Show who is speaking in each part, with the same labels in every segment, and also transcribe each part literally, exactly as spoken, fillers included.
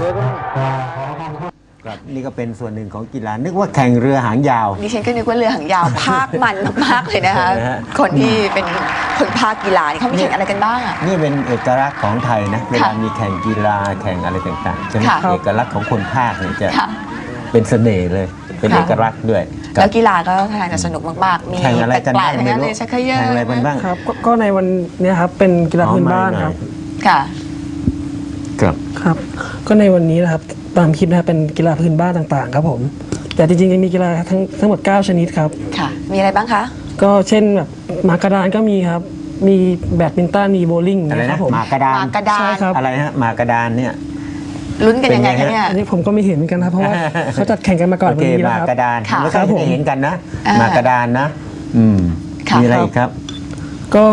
Speaker 1: ครับนี่ก็เป็นส่วนหนึ่งของกีฬานึกว่าแข่งเรือหางยาว
Speaker 2: ดิฉันก็นึกว่าเรือหางยาวภาคมันมากๆเลยนะคะคนที่เป็นคนภาคกีฬานี่เขาไม่แข่งอะไรกันบ้างอ่ะ
Speaker 1: นี่เป็นเอกลักษณ์ของไทยนะเวลามีแข่งกีฬาแข่งอะไรต่างๆใช่ไหมเอกลักษณ์ของคนภาคเนี่ยจะเป็นเสน่ห์เลยเป็นเอกลักษณ์ด้วย
Speaker 2: แล้วกีฬาก็ทางจะสนุกมากๆมี
Speaker 1: แข่งอะไรกันบ้างไม่รู้
Speaker 2: เลยชักเขย่อ
Speaker 1: แข่งอะไรบ้าง
Speaker 3: ครับก็ในวันนี้ครับเป็นกีฬาพื้นบ้านครับ
Speaker 2: ค่ะ
Speaker 1: ครับ
Speaker 3: ครับก็ในวันนี้นะครับตามคลิปนะครับเป็นกีฬาพื้นบ้านต่างๆครับผมแต่จริงๆจะมีกีฬาทั้งทั้งหมดเก้าชนิดครับ
Speaker 2: ค่ะมีอะไรบ้างคะ
Speaker 3: ก็เช่นแบบหมากกระดานก็มีครับมีแบดมินตันมีโบว์ลิ่ง
Speaker 1: นะครับผมหมากกระดาน
Speaker 2: ใช่
Speaker 3: ครับ
Speaker 1: อะไรฮะหมากกระดานเนี่ย
Speaker 2: ลุ้นกันยังไงคะเนี่ย
Speaker 3: อันนี้ผมก็ไม่เห็นกันครับเพราะว่าเขาจัดแข่งกันมาก่อนวันนี้แล้วครับ
Speaker 1: หมากกระดานไม่เคยเห็นกันนะหมากกระดานนะอืมมีอะไรอีกครับ
Speaker 3: ก็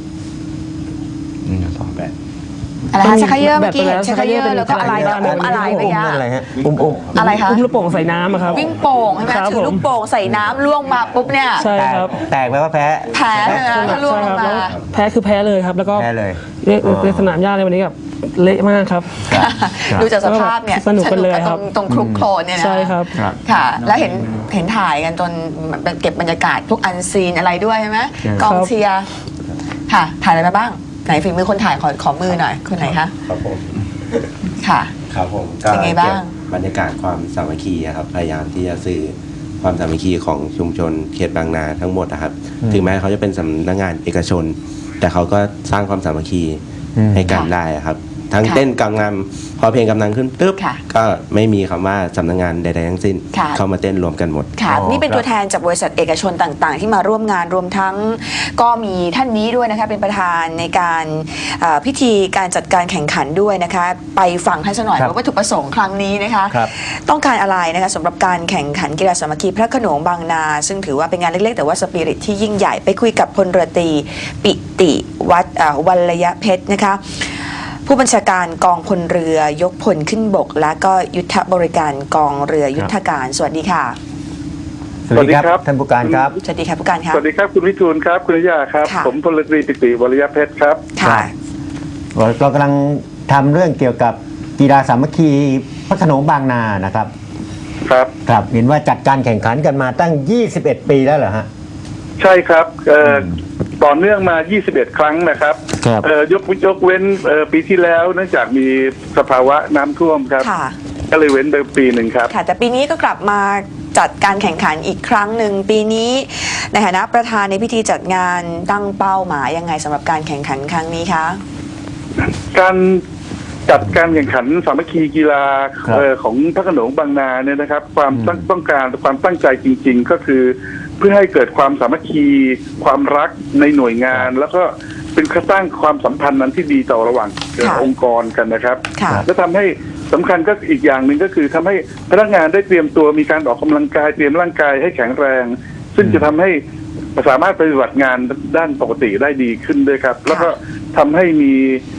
Speaker 1: สองแบบ
Speaker 2: อะไรคะชักเขย่อเมื่อกี้เห็นชักเขย่อแล้วก็อะไรอุ้มอะไรไปยะ
Speaker 1: อะไรฮะอุ้มอุ้ม
Speaker 2: อะไรคะ
Speaker 3: อุ้มลูกโป่งใส่น้ำครับ
Speaker 2: วิ่งโป่งใช่ไหมถือลูกโป่งใส่น้ำล่วงมาปุ๊บเนี่ย
Speaker 3: ใช่ครับ
Speaker 1: แตกไปว่าแพ้
Speaker 2: แพ้เลยนะถ้าล่วงมา
Speaker 3: แพ้คือแพ้เลยครับแล้วก็
Speaker 1: แพ้เลย
Speaker 3: ในสนามหญ้าในวันนี้แบบเละมากครับ
Speaker 2: ดูจากสภาพเนี่ย
Speaker 3: สนุกกันเลยครับ
Speaker 2: ตรงคลุกโคลนเนี่ยนะ
Speaker 3: ใช่ครับ
Speaker 2: ค่ะแล้วเห็นเห็นถ่ายกันจนเก็บบรรยากาศพวกอันซีนอะไรด้วยใช่ไหมกองเชียร์ค่ะถ่ายอะไรมาบ้างไหนฝีมือคนถ่ายขอขอมือหน่อยคนไหนคะ
Speaker 4: ครับผม
Speaker 2: ค่ะ
Speaker 4: ครับผมก็เก็บบรรยากาศความสามัคคีครับพยายามที่จะสื่อความสามัคคีของชุมชนเขตบางนาทั้งหมดนะครับถึงแม้เขาจะเป็นสำนักงานเอกชนแต่เขาก็สร้างความสามัคคีให้กันได้ครับทั้งเต้นกำลังพอเพลงกำลังขึ้นตึ๊บก็ไม่มีคำว่าสำนักงานใดๆทั้งสิ้นเข้ามาเต้นรวมกันหมด
Speaker 2: ค่ะนี่เป็นตัวแทนจากบริษัทเอกชนต่างๆที่มาร่วมงานรวมทั้งก็มีท่านนี้ด้วยนะคะเป็นประธานในการพิธีการจัดการแข่งขันด้วยนะคะไปฟังท่านสักหน่อยว่าวัตถุประสงค์ครั้งนี้นะคะต้องการอะไรนะคะสำหรับการแข่งขันกีฬาสามัคคีพระโขนงบางนาซึ่งถือว่าเป็นงานเล็กๆแต่ว่าสปิริตที่ยิ่งใหญ่ไปคุยกับพลเรือตรีปิติวัฒน์วัลยเพชรนะคะผู้บัญชาการกองพลเรือยกพลขึ้นบกและก็ยุทธบริการกองเรือยุทธการสวัสดีค่ะ
Speaker 1: สวัสดีครับท่านผู้การครับ
Speaker 2: สวัสดีครับผู้การครับ
Speaker 5: สวัสดีครับคุณวิทูลครับคุณนิยาครับผมพลเรือตรีปิติวรยเพชรครับ
Speaker 2: ค่ะ
Speaker 1: เรากำลังทำเรื่องเกี่ยวกับกีฬาสามัคคีพระโขนงบางนานะครับ
Speaker 5: ครับ
Speaker 1: ครับเห็นว่าจัดการแข่งขันกันมาตั้งยี่สิบเอ็ดปีแล้วเหรอฮะ
Speaker 5: ใช่ครับต่อเนื่องมายี่สิบเอ็ดครั้งนะครับยกยกเว้นปีที่แล้วเนื่องจากมีสภาวะน้ำท่วมครับก็เลยเว้นไปปีหนึ่งครับ
Speaker 2: ค่ะแต่ปีนี้ก็กลับมาจัดการแข่งขันอีกครั้งหนึ่งปีนี้ในฐานะประธานในพิธีจัดงานตั้งเป้าหมายยังไงสำหรับการแข่งขันครั้งนี้คะ
Speaker 5: การจัดการแข่งขันสามัคคีกีฬาของพระโขนงบางนาเนี่ยนะครับความต้องการความตั้งใจจริงๆก็คือเพื่อให้เกิดความสามัคคีความรักในหน่วยงานแล้วก็เป็นการสร้างความสัมพันธ์นั้นที่ดีต่อระหว่างองค์กรกันนะครับและทำให้สำคัญก็อีกอย่างหนึ่งก็คือทำให้พนักงานได้เตรียมตัวมีการออกกำลังกายเตรียมร่างกายให้แข็งแรงซึ่งจะทำให้สามารถปฏิบัติงานด้านปกติได้ดีขึ้นด้วยครับแล้วก็ทำให้มี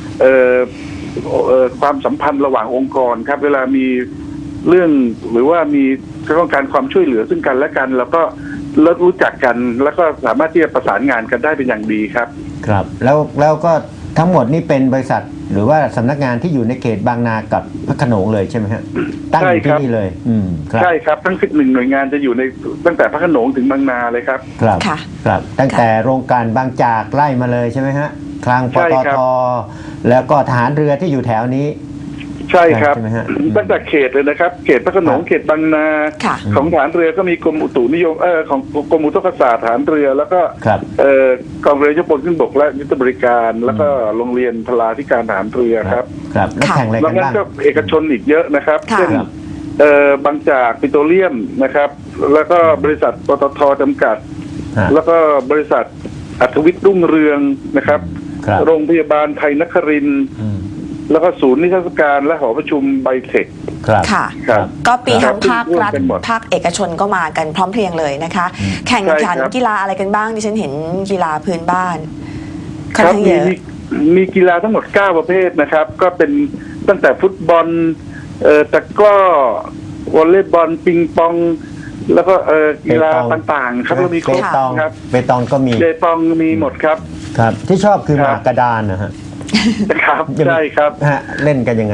Speaker 5: ความสัมพันธ์ระหว่างองค์กรครับเวลามีเรื่องหรือว่ามีต้องการความช่วยเหลือซึ่งกันและกันแล้วก็เลิกรู้จักกันแล้วก็สามารถที่จะประสานงานกันได้เป็นอย่างดีครับ
Speaker 1: ครับแล้วแล้วก็ทั้งหมดนี่เป็นบริษัทหรือว่าสำนักงานที่อยู่ในเขตบางนากับพระโขนงเลยใช่ไหมฮะตั้งอยู่ที่นี่เลยอืม
Speaker 5: ใช่ครับทั้งสิบหนึ่งหน่วยงานจะอยู่ในตั้งแต่พระโขนงถึงบางนาเลยครับ
Speaker 1: ครับครับตั้งแต่โรงการบางจากไล่มาเลยใช่ไหมฮะคลังปตท.แล้วก็ทหารเรือที่อยู่แถวนี้
Speaker 5: ใช่ครับตั้งแต่เขตเลยนะครับเขตพระโขนงเขตบางนาของฐานเรือก็มีกรมอุตุนิยมเออของกรมอุทกศาสตร์ฐานเรือแล้วก็เอ่อกองเรือยกพลขึ้นบกและยุทธบริการแล้วก็โรงเรียนพลาธิการฐานเรือครับ
Speaker 1: ครับแล้วแข่งอะไรกันบ้าง
Speaker 5: ก็เอกชนอีกเยอะนะครับเช่นเอ่อบางจากปิโตรเลียมนะครับแล้วก็บริษัทปตท.จำกัดแล้วก็บริษัทอัธวิทย์รุ่งเรืองนะครับโรงพยาบาลไทยนครินทร์แล้วก็ศูนย์นิทรรศการและหอประชุมไบเทค
Speaker 2: ค่ะก็ปีทั้งภาครัฐภาคเอกชนก็มากันพร้อมเพรียงเลยนะคะแข่งขันกีฬาอะไรกันบ้างดิฉันเห็นกีฬาพื้นบ้าน
Speaker 5: ครับมีมีกีฬาทั้งหมดเก้าประเภทนะครับก็เป็นตั้งแต่ฟุตบอลเอ่อตะกร้อวอลเลย์บอลปิงปองแล้วก็เอ่อกีฬาต่างๆครับเรามีครบครับ
Speaker 1: เปตองก็มี
Speaker 5: เปตองมีหมดครับ
Speaker 1: ครับที่ชอบคือหมากกระดานนะฮะ
Speaker 5: ครับใช่ครับ
Speaker 1: ฮะเล่นกันยังไง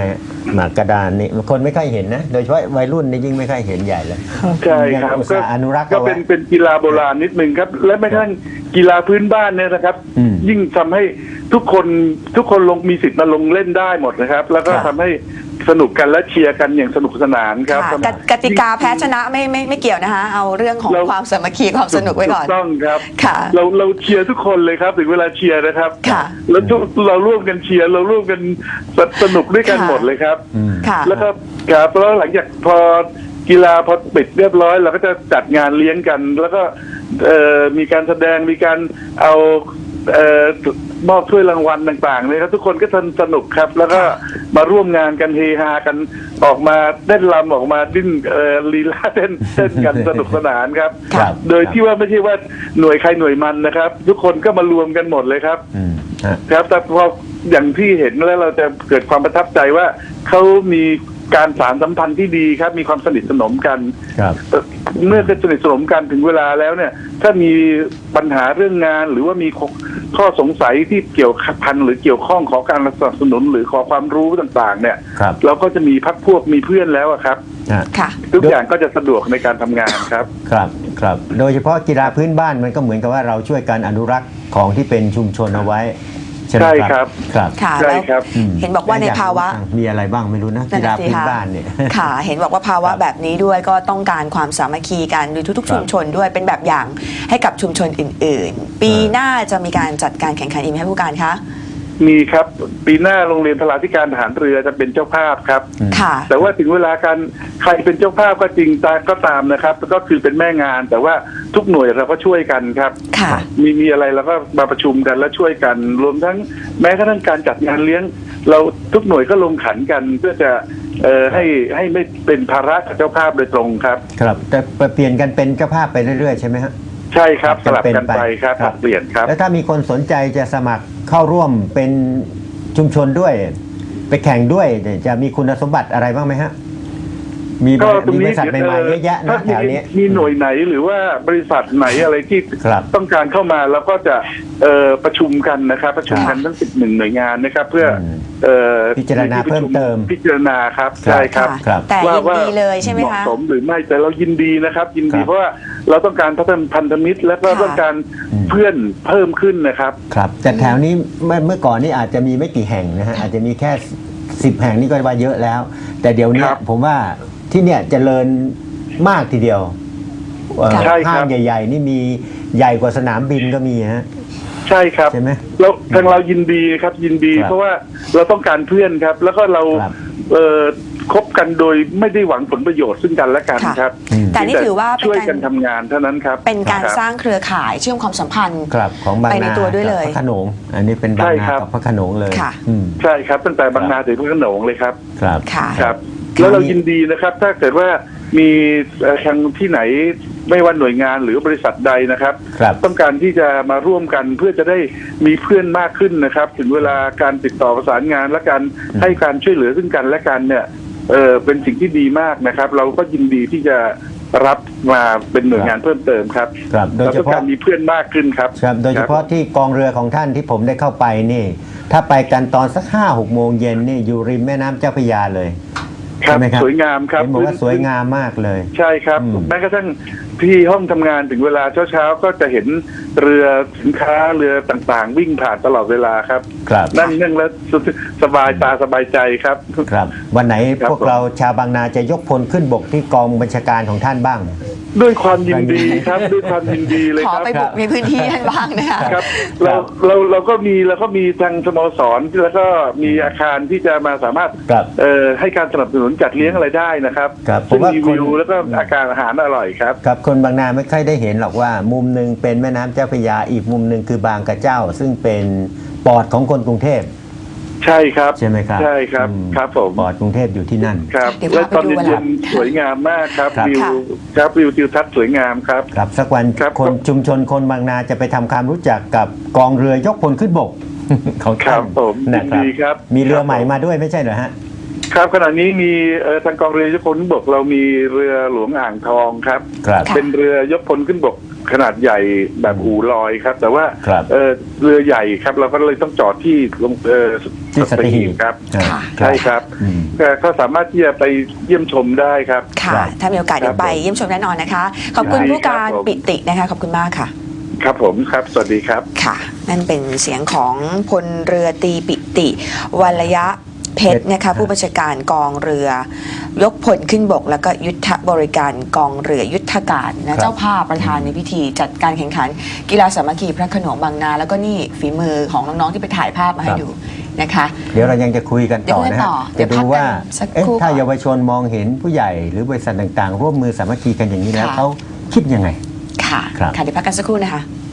Speaker 1: หมากกระดานนี่คนไม่ค่อยเห็นนะโดยเฉพาะวัยรุ่นนี่ยิ่งไม่ค่อยเห็นใหญ่เลย
Speaker 5: ใช่ครับ
Speaker 1: ยังอุตส่าห์อนุรักษ์
Speaker 5: ก็
Speaker 1: เอาไว้
Speaker 5: เป็นเป็นกีฬาโบราณนิดนึงครับ และแม้กระทั่งกีฬาพื้นบ้านเนี่ยนะครับ
Speaker 1: อืม
Speaker 5: ยิ่งทำให้ทุกคนทุกคนลงมีสิทธิ์มาลงเล่นได้หมดนะครับ แล้วก็
Speaker 1: ครับ
Speaker 5: ทำให้สนุกกันและเชียร์กันอย่างสนุกสนานครับ
Speaker 2: ค่ะกติกาแพ้ชนะไม่ไม่ไม่เกี่ยวนะคะ เอาเรื่องของ
Speaker 5: เรา
Speaker 2: ความสามัคคีความสนุกไว้ก่อน
Speaker 5: ถูต้องครับ
Speaker 2: ค่ะ
Speaker 5: เราเราเชียร์ทุกคนเลยครับถึงเวลาเชียร์นะครับ
Speaker 2: ค่ะ
Speaker 5: แล้วทุกเราร่วมกันเชียร์เราร่วมกันสนุกด้วยกัน
Speaker 2: ค่ะ
Speaker 5: หมดเลยครับ
Speaker 1: อืม
Speaker 2: ค่ะ
Speaker 5: แล้วก็ครับแล้วหลังจากพอกีฬาพอปิดเรียบร้อยเราก็จะจัดงานเลี้ยงกัน แล้วก็เอ่อมีการแสดงมีการเอาเอ่อมอบถ้วยรางวัลต่างๆเลยครับทุกคนก็สนุกครับ แล้วก็มาร่วมงานกันเฮฮากันออกมาเต้นรำออกมาดิ้นเอ่อลีลาเต้นเต้นกันสนุกสนานครับ
Speaker 1: ครับ
Speaker 5: โดยที่ว่าไม่ใช่ว่าหน่วยใครหน่วยมันนะครับ ทุกคนก็มารวมกันหมดเลยครับ
Speaker 1: อืมฮะ
Speaker 5: ครับแต่พออย่างที่เห็นแล้วเราจะเกิดความประทับใจว่าเขามีการสารสัมพันธ์ที่ดีครับ มีความสนิทสนมกัน
Speaker 1: ครับ
Speaker 5: เอ่อเมื่อสนิทสนมกันถึงเวลาแล้วเนี่ย ถ้ามีปัญหาเรื่องงาน หรือว่ามีข้อสงสัยที่เกี่ยวพันหรือเกี่ยวข้องขอการสนับสนุนหรือขอความรู้ต่างๆ เนี่ย
Speaker 1: ครับ
Speaker 5: เราก็จะมีพักพวกมีเพื่อนแล้วอะครับ
Speaker 1: ฮะ
Speaker 2: ค่ะ
Speaker 5: ทุกอย่างก็จะสะดวกในการทำงานครับ
Speaker 1: ครับครับโดยเฉพาะกีฬาพื้นบ้านมันก็เหมือนกับว่าเราช่วยกันอนุรักษ์ของที่เป็นชุมชนเอาไว้ใช่ไหม
Speaker 5: ใช่
Speaker 1: ค
Speaker 5: ครั
Speaker 1: รับบ ครับ
Speaker 2: ค่ะ
Speaker 5: ใช่
Speaker 2: แล้ว
Speaker 5: ครับ
Speaker 1: อืม
Speaker 2: เห็นบอกว่าในภาวะ
Speaker 1: มีอะไรบ้างไม่รู้นะ
Speaker 2: นั่
Speaker 1: กี
Speaker 2: น
Speaker 1: ฬา
Speaker 2: น่ะสิ
Speaker 1: พื้น
Speaker 2: คะ
Speaker 1: บ้านเนี่ย
Speaker 2: ค่ะ เห็นบอกว่าภาวะ
Speaker 1: ครับ
Speaker 2: แบบนี้ด้วยก็ต้องการความสามัคคีกันโดยทุก
Speaker 1: ค
Speaker 2: ๆ
Speaker 1: รับ
Speaker 2: ชุมชนด้วยเป็นแบบอย่างให้กับชุมชนอื่น ๆ ปี
Speaker 1: เออ
Speaker 2: หน้าจะมีการจัดการแข่งขันอีกไหมคะผู้การคะ
Speaker 5: มีครับปีหน้าโรงเรียนพลาธิการทหารเรือจะเป็นเจ้าภาพครับ
Speaker 1: อืม
Speaker 2: ค่ะ
Speaker 5: แต่ว่าถึงเวลาการใครเป็นเจ้าภาพก็จริงตาก็ตามนะครับ ก็คือเป็นแม่งาน แต่ว่าทุกหน่วยเราก็ช่วยกันครับ
Speaker 2: ค่ะ
Speaker 5: มีมีอะไรเราก็มาประชุมกันแล้วช่วยกัน รวมทั้งแม้กระทั่งการจัดงานเลี้ยง เราทุกหน่วยก็ลงขันกัน เพื่อจะเอ่อให้ให้ไม่เป็นภาระกับเจ้าภาพโดยตรงครับ
Speaker 1: ครับแต่เปลี่ยนกันเป็นเจ้าภาพไปเรื่อยๆใช่ไหมฮะ
Speaker 5: ใช่ครับสลับ
Speaker 1: เป็
Speaker 5: กันไปครับผลัดเปลี่ยนครับ
Speaker 1: แล้วถ้ามีคนสนใจจะสมัครเข้าร่วมเป็นชุมชนด้วย ไปแข่งด้วยเนี่ยจะมีคุณสมบัติอะไรบ้างไหมฮะ มีบ
Speaker 5: ก็
Speaker 1: ริ
Speaker 5: ตรง
Speaker 1: มีบ
Speaker 5: นี้
Speaker 1: ริษัทใหม่ๆเยอะแยะ
Speaker 5: ถ้า
Speaker 1: นะ
Speaker 5: มี
Speaker 1: แถวนี้
Speaker 5: มีหน่วยไหนหรือว่าบริษัทไหนอะไรที่
Speaker 1: ครับ
Speaker 5: ต้องการเข้ามาเราก็จะเอ่อประชุมกันนะครับ ประชุมกันทั้งสิบหนึ่งหน่วยงานนะครับ เพื่ออ
Speaker 1: ม
Speaker 5: เอ่อ
Speaker 1: พิจารณา
Speaker 5: ในที่ปะ
Speaker 1: เพิ่ม
Speaker 5: ชุ
Speaker 1: เติม
Speaker 5: พิจารณาครับใช่ครับ
Speaker 2: ค่ะ
Speaker 1: ครับ
Speaker 2: แต่ยินดีเลยใช่ไหม
Speaker 5: เหมาะ
Speaker 2: คะ
Speaker 5: สมหรือไม่แต่เรายินดีนะครับ ยินดี
Speaker 1: ครับ
Speaker 5: เพราะว่าเราต้องการพัฒนาพันธมิตร และก็
Speaker 2: ค่ะ
Speaker 5: ต้องการ
Speaker 1: อืม
Speaker 5: เพื่อนเพิ่มขึ้นนะครับ
Speaker 1: ครับแต่แถวนี้เมื่อเมื่อก่อนนี่อาจจะมีไม่กี่แห่งนะฮะอาจจะมีแค่สิบแห่งนี่ก็ว่าเยอะแล้ว แต่เดี๋ยวนี้
Speaker 5: ครับ
Speaker 1: ผมว่าที่เนี่ยเจริญมากทีเดียวเอ่อ
Speaker 5: ใช่ครับ
Speaker 1: ห้างใหญ่ ๆ นี่มีใหญ่กว่าสนามบินก็มีฮะ
Speaker 5: ใช่ครับ
Speaker 1: ใช่ไหม
Speaker 5: เราทางเรายินดีครับยินดี
Speaker 1: ครับ
Speaker 5: เพราะว่าเราต้องการเพื่อนครับ แล้วก็เรา
Speaker 1: ครับ
Speaker 5: เอ่อคบกันโดยไม่ได้หวังผลประโยชน์ซึ่งกันและกัน
Speaker 2: ค่ะ
Speaker 5: ครับ
Speaker 1: อืม
Speaker 2: แต่นี่ถือว่าเป็น
Speaker 5: ช่วย
Speaker 2: การ
Speaker 5: กันทำงานเท่านั้นครับ
Speaker 2: เป็นการ
Speaker 5: คบ
Speaker 2: สร้างเครือข่ายเชื่อมความสัมพันธ์
Speaker 1: ครับของบาง
Speaker 2: ไปใน
Speaker 1: นา
Speaker 2: ตัวด้วยเลย
Speaker 1: กับพระโขนงอันนี้เป็นบาง
Speaker 5: ใช่
Speaker 1: นา
Speaker 5: ครับ
Speaker 1: กับพระโขนงเลย
Speaker 2: ค่ะ
Speaker 1: อืม
Speaker 5: ใช่ครับตั้งแต่บางนาถึงพระโขนงเลยครับ
Speaker 1: ครับ
Speaker 2: ค่ะ
Speaker 5: ครับ
Speaker 1: คราวนี้
Speaker 5: แล้วเรายินดีนะครับ ถ้าเกิดว่ามีเอ่อทางที่ไหนไม่ว่าหน่วยงานหรือบริษัทใดนะครับ
Speaker 1: ครับ
Speaker 5: ต้องการที่จะมาร่วมกันเพื่อจะได้มีเพื่อนมากขึ้นนะครับ ถึงเวลาการติดต่อประสานงานและการให้การช่วยเหลือซึ่งกันและกันเนี่ยเออเป็นสิ่งที่ดีมากนะครับ เราก็ยินดีที่จะรับมาเป็นหน่วยงานเพิ่มเติมครับ
Speaker 1: ครับโดย
Speaker 5: เรา
Speaker 1: เฉ
Speaker 5: ต้อง
Speaker 1: พาะ
Speaker 5: การมีเพื่อนมากขึ้นครับ
Speaker 1: ครับโดยเฉพาะที่กองเรือของท่านที่ผมได้เข้าไปนี่ ถ้าไปกันตอนสักห้าหกโมงเย็นนี่อยู่ริมแม่น้ำเจ้าพระยาเลย
Speaker 5: ครั
Speaker 1: ใช่ไหมครับ
Speaker 5: สวยงามครับ
Speaker 1: เห็นบอกว่าสวยงามมากเลย
Speaker 5: ใช่ครับ
Speaker 1: อืม
Speaker 5: แม้กระทั่งที่ห้องทำงานถึงเวลาเช้าๆก็จะเห็นเรือสินค้าเรือต่างๆ วิ่งผ่านตลอดเวลาครับ
Speaker 1: ครับ
Speaker 5: นั่งนั่งแล้วสบายตาสบายใจครับ
Speaker 1: ครับวันไหน
Speaker 5: ครับ
Speaker 1: พวกเราชาวบางนาจะยกพลขึ้นบกที่กองบัญชาการของท่านบ้าง
Speaker 5: ด้วยความยินดีครับ ด้วยความยินดีเลย
Speaker 2: ขอ
Speaker 5: ครับ
Speaker 2: ไปบุกในพื้นที่ท่านบ้างนะคะ
Speaker 5: ครับเราเราเราก็มีเราก็มีทางสโมสรแล้วก็มีอาคารที่จะมาสามารถ
Speaker 1: ครับ
Speaker 5: เอ่อให้การสนับสนุนจัดเลี้ยงอะไรได้นะครับ
Speaker 1: ครับผม
Speaker 5: ซึ่ง
Speaker 1: ว่า
Speaker 5: มี
Speaker 1: คน
Speaker 5: วิวแล้วก็อาการอาหารอร่อยครับ
Speaker 1: ครับคนบางนาไม่ค่อยได้เห็นหรอกว่า มุมหนึ่งเป็นแม่น้ำเจ้าพระยาอีกมุมหนึ่งคือบางกระเจ้า ซึ่งเป็นปอดของคนกรุงเทพ
Speaker 5: ใช่ครับ
Speaker 1: ใช่ไหมครับ
Speaker 5: ใช่ครับ
Speaker 1: อืม
Speaker 5: ครับผม
Speaker 1: ปอดกรุงเทพอยู่ที่นั่น
Speaker 5: ครับ
Speaker 2: เดี๋ยว
Speaker 5: และ
Speaker 2: พาไป
Speaker 5: ตอน
Speaker 2: ดูวันหลั
Speaker 5: เย็
Speaker 2: ง
Speaker 5: นๆสวยงามมากครับ
Speaker 1: ครับ
Speaker 5: วิว
Speaker 2: ค่ะ
Speaker 5: ครับวิวทิวทัศน์สวยงามครับ
Speaker 1: ครับสักวัน
Speaker 5: ครับ
Speaker 1: คนชุมชนคนบางนาจะไปทำความรู้จักกับกองเรือยกพลขึ้นบก ของ
Speaker 5: ครั
Speaker 1: ท่า
Speaker 5: บ
Speaker 1: น
Speaker 5: ผม
Speaker 1: นะครั
Speaker 5: ยินดีครับ
Speaker 1: มีเรือใหม่
Speaker 5: ครับผม
Speaker 1: มาด้วยไม่ใช่เหรอฮะ
Speaker 5: ครับขณะนี้มีเอ่อทางกองเรือยกพลขึ้นบกเรามีเรือหลวงอ่างทองครับ
Speaker 1: ครับ
Speaker 2: ค่ะ
Speaker 5: เป็นเรือยกพลขึ้นบกขนาดใหญ่แบบอู่ลอยครับ แต่ว่า
Speaker 1: ครับ
Speaker 5: เอ่อเรือใหญ่ครับ เราก็เลยต้องจอดที่ลงเอ่อ
Speaker 1: ที่สัตหีบ
Speaker 5: ครับ
Speaker 1: อ่า
Speaker 2: ค่ะ
Speaker 5: ใช่ครับ
Speaker 1: อืม
Speaker 5: เอ่อก็สามารถที่จะไปเยี่ยมชมได้ครับ
Speaker 2: ค่ะ
Speaker 1: ครับ
Speaker 2: ถ้ามีโอกาสเดี๋ยวไปเยี่ยมชมแน่นอนนะคะ ขอบคุณ
Speaker 5: ได้
Speaker 2: ผู้การ
Speaker 5: ครับผม
Speaker 2: ปิตินะคะขอบคุณมากค่ะ
Speaker 5: ครับผมครับ สวัสดีครับ
Speaker 2: ค่ะ นั่นเป็นเสียงของพลเรือตรีปิติวัลยะเพชรนะคะผู้บัญชาการกองเรือ ยกพลขึ้นบก แล้วก็ยุทธบริการกองเรือยุทธการนะเจ้าภาพประธานในพิธีจัดการแข่งขัน กีฬาสามัคคีพระโขนงบางนา แล้วก็นี่ฝีมือของน้องๆที่ไปถ่ายภาพมาให้ดูนะคะ
Speaker 1: เดี๋ยวเรายังจะคุยกันต่อนะ
Speaker 2: เดี๋ยวคุยกันต่
Speaker 1: ฮะ
Speaker 2: อเดี๋ยว
Speaker 1: จะดูว่า
Speaker 2: พักกันสัก
Speaker 1: เอ๊ะ
Speaker 2: ครู่
Speaker 1: ถ้า
Speaker 2: ก่อน
Speaker 1: เยาวชนมองเห็นผู้ใหญ่หรือบริษัทต่างๆ ร่วมมือสามัคคีกันอย่างนี้แล้ว
Speaker 2: ค่ะ
Speaker 1: เขาคิดยังไง
Speaker 2: ค่ะ
Speaker 1: ครับ
Speaker 2: ค่ะเดี๋ยวพักกันสักครู่นะคะ